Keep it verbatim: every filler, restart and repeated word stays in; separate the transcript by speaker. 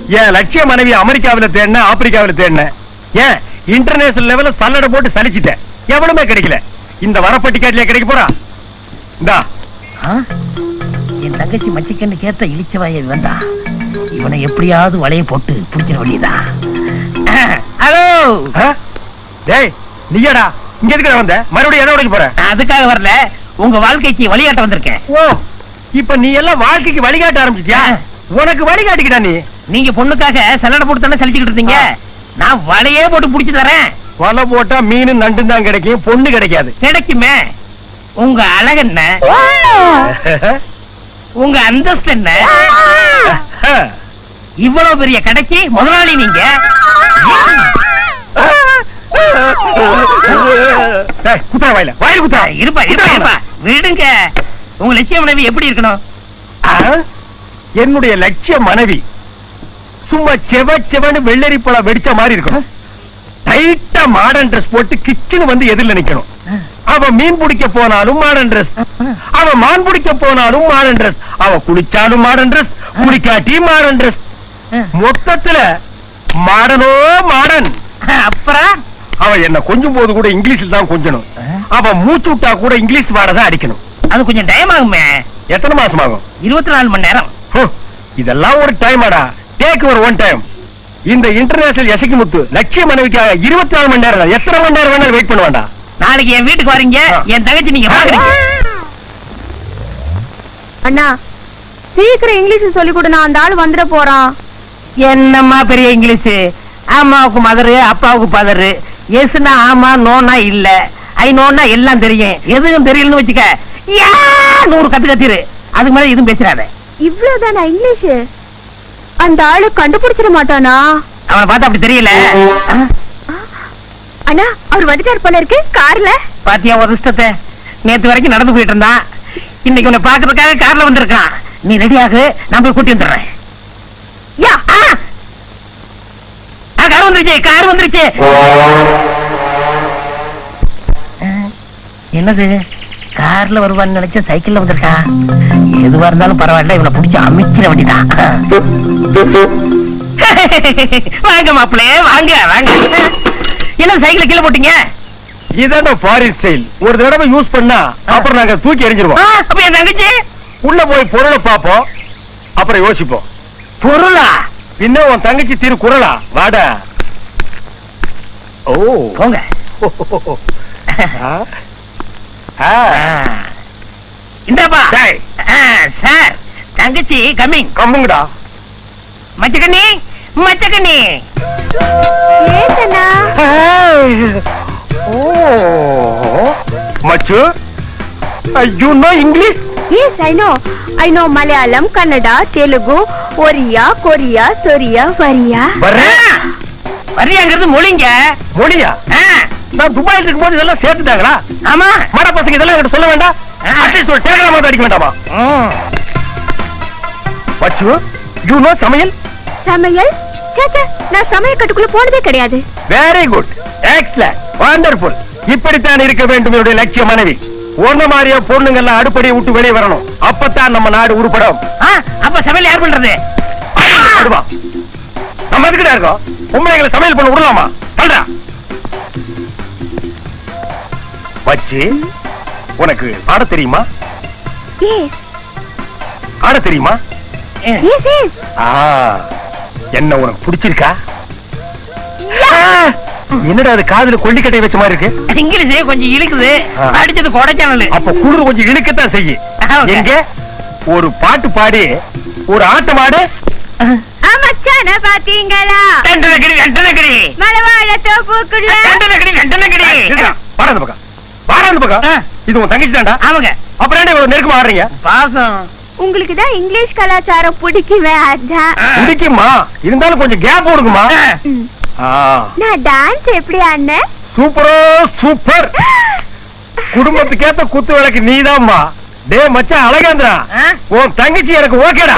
Speaker 1: என் லட்சிய மனைவி அமெரிக்காவில தேடின, ஆப்பிரிக்காவில தேடின, ஏன் இன்டர்நேஷனல் லெவல்ல சல்லடை போட்டு சலிச்சிட்டேன். எவனுமே கிடைக்கல. இந்த வரப்பட்டிக்காட்டிலே கிடைக்க போறா? இந்தா.
Speaker 2: என் தங்கச்சி மச்சிக்கன்னு கேட்ட இழிச்சவாய வந்தா இவனை எப்படியாவது வலைய போட்டு பிடிச்சிட வேண்டியதா. ஹலோ
Speaker 1: டேய், நீயடா இங்க எதுக்கு வந்த? மறுபடியும் எதை உடைக்க போற?
Speaker 2: அதுக்காக வரல, உங்க வாழ்க்கைக்கு வழிகாட்ட வந்திருக்கேன்.
Speaker 1: ஓ, இப்ப நீ எல்லாம் வாழ்க்கைக்கு வழிகாட்ட ஆரம்பிச்சிட்டியா? உனக்கு வழிகாட்டிக்கிட்டா நீ?
Speaker 2: நீங்க பொண்ணுக்காக சல்லடை போட்டு தானே சலிச்சுக்கிட்டு இருந்தீங்க. நான் வலையே போட்டு புடிச்சு தரேன்.
Speaker 1: வலை போட்டா மீன் நண்டு தான் கிடைக்கும், பொண்ணு கிடைக்காது.
Speaker 2: கிடைக்குமே. உங்க அழகு என்ன, உங்க அந்தஸ்து என்ன, இவ்வளவு பெரிய கடைக்கு முதலாளி நீங்க.
Speaker 1: குத்தா வாயில வாயில் குத்தா.
Speaker 2: இருப்பா இருப்பா விடுங்க. உங்க லட்சிய மனைவி எப்படி இருக்கணும்?
Speaker 1: என்னுடைய லட்சிய மனைவி சும்மா செவ செவன்னு வெள்ளரி பழம் வெடிச்ச மாதிரி இருக்கணும். டைட்டா மாடர்ன் ட்ரெஸ் போட்டு கிச்சன் வந்து எதிரில் நிக்கணும். அவ மீன் பிடிக்க போனாலும் மாடர்ன் ட்ரெஸ், அவ மான் பிடிக்க போனாலும் மாடர்ன் ட்ரெஸ், அவ குளிச்சாலும் மாடர்ன் ட்ரெஸ், குளிக்காட்டி மாடர்ன் ட்ரெஸ். மொத்தத்துல மாடனோ மாடன்.
Speaker 2: அப்புறம்
Speaker 1: அவ என்ன கொஞ்சம் போது கூட இங்கிலீஷ்ல தான் கொஞ்சணும். அவ மூச்சு விட்டா கூட இங்கிலீஷ் வாட தான் அடிக்கணும்.
Speaker 2: அது கொஞ்சம் டைம் ஆகுமே.
Speaker 1: எத்தனை மாசம் ஆகும்?
Speaker 2: இருபத்தி நாலு மணி நேரம்.
Speaker 1: இதெல்லாம் ஒரு டைமாடா? டேக் ஒரு ஒன் டைம். இந்த இன்டர்நேஷனல் எசக்கி முத்து லட்சிய மனைவிக்காக இருபத்தி நாலு மணி நேரம், எத்தனை மணி நேரம் வேணாலும் வெயிட் பண்ணுவாண்டா.
Speaker 2: நாளைக்கு என் வீட்டுக்கு வரீங்க, என் தங்கச்சி நீங்க பாக்குறீங்க.
Speaker 3: அண்ணா சீக்கிரம் இங்கிலீஷ் சொல்லி கொடு, நான் அந்த ஆளு வந்துட போறான்.
Speaker 2: என்னம்மா பெரிய இங்கிலீஷ்? அம்மாவுக்கு மதரு, அப்பாவுக்கு பதரு. எஸ்னா ஆமா, நோனா இல்ல, ஐ நோனா எல்லாம் தெரியும். எதுவும் தெரியலன்னு வச்சுக்க, நூறு கத்து கத்திரு. அதுக்கு மேல எதுவும் பேசுறாத.
Speaker 3: இவ்வளவுதானா இங்கிலீஷ்? அந்த ஆளு கண்டுபிடிச்சிட மாட்டானா?
Speaker 2: அவனை பார்த்தா அப்படி தெரியல.
Speaker 3: அண்ணா அவர் வந்துட்டார் போல இருக்கு கார்ல.
Speaker 2: பாத்தியா ஒரு இஷ்டத்தை? நேத்து வரைக்கும் நடந்து போயிட்டு இருந்தான், இன்னைக்கு உன்னை பாக்குறதுக்காக கார்ல வந்திருக்கான். நீ ரெடியாக, நான் போய் கூட்டி வந்துடுறேன்.
Speaker 3: யா
Speaker 2: கார் வந்துருச்சு, கார் வந்துருச்சு. என்னது கார்ல வருவான்னு நினைச்ச சைக்கிள்ல வந்திருக்கான். எதுவா இருந்தாலும் பரவாயில்ல, இவனை பிடிச்சி அமைக்கிற வேண்டிதான். வாங்க மாப்பிள்ளே, வாங்க வாங்க. என்ன சைக்கிள் கீழே போட்டீங்க?
Speaker 1: இதான ஃபாரின் ஸ்டைல். ஒரு தடவை யூஸ் பண்ணா அப்புறம் நாங்க தூக்கி எறிஞ்சிருவோம்.
Speaker 2: அப்ப என் தங்கச்சி
Speaker 1: உள்ள போய் பொருளை பாப்போம், அப்புறம் யோசிப்போம்.
Speaker 2: பொருளா?
Speaker 1: பின்ன உன் தங்கச்சி திரு குரலா? வாடா. ஓ
Speaker 2: போங்க. இந்தாப்பா சார், தங்கச்சி கம்மிங்.
Speaker 1: கம்முங்கடா.
Speaker 2: மச்சக்கண்ணி மச்சக்கண்ணி.
Speaker 1: மச்சு, you know English?
Speaker 3: Yes, I know. I know Malayalam, Kannada, Telugu, Oriya, Korea, Soria, Variya.
Speaker 2: வரியாங்கிறது மொழிங்க.
Speaker 1: மொழியா? நான் துபாயில் இருக்கும்போது இதெல்லாம் சேர்த்துட்டாங்களா?
Speaker 2: ஆமா.
Speaker 1: மாட பசங்க இதெல்லாம் என்கிட்ட சொல்ல வேண்டாம். அட்லீஸ்ட் ஒரு டெலிகிராம் அடிக்க வேண்டாமா? மச்சு, you know சமையல்?
Speaker 3: சமையல்? சேச்சே, நான் சமையல் கட்டுக்குள்ள போனதே கிடையாது.
Speaker 1: Very good, excellent, wonderful. இப்படித்தான் இருக்க வேண்டும் என்னுடைய லட்சிய மனைவி. ஒன்ன மாதிரியா பொண்ணுங்க எல்லாம் அடுப்படியை விட்டு வெளியே வரணும். அப்பதான் நம்ம நாடு உருப்படும்.
Speaker 2: அப்ப சமையல் யார் பண்றது?
Speaker 1: நம்ம எதுக்கிட்ட இருக்கோம்? பொம்பளைங்களை சமையல் பண்ண விடலாமா? சொல்றா வச்சு. உனக்கு ஆட தெரியுமா? ஆட தெரியுமா? என்ன உனக்கு பிடிச்சிருக்கா? என்னடா அது காதுல கொல்லிக்கட்டை வச்ச மாதிரி இருக்கு?
Speaker 2: இங்கிலீஷ் கொஞ்சம் இழுக்குது, அடிச்சது கொடைக்கானல்.
Speaker 1: அப்ப குளிர் கொஞ்சம் இழுக்கத்தான் செய்யும். எங்க ஒரு பாட்டு பாடி ஒரு ஆட்டம் ஆடு.
Speaker 3: மச்சான பாத்தீங்களா?
Speaker 2: டண்டனகிரி டண்டனகிரி
Speaker 3: மலவாழ தோப்புக்குள்ள
Speaker 2: டண்டனகிரி டண்டனகிரி.
Speaker 1: பாராத பக்கம், பாராத பக்கம். இது உன் தங்கச்சி தான்டா?
Speaker 2: ஆமாங்க.
Speaker 1: அப்புறம் என்ன இவ்வளவு நெருக்கமா ஆடுறீங்க?
Speaker 2: பாசம்.
Speaker 3: உங்களுக்கு தான் இங்கிலீஷ் கலாச்சாரம் பிடிக்குமே, அதான்.
Speaker 1: பிடிக்குமா? இருந்தாலும் கொஞ்சம் கேப் கொடுக்குமா?
Speaker 3: நான் டான்ஸ் எப்படி ஆடினேன்?
Speaker 1: சூப்பரோ சூப்பர். குடும்பத்துக்கேத்த குத்து விளக்கு நீதாம்மா. டே மச்சான் அழகேந்திரா, உன் தங்கச்சி எனக்கு ஓகேடா.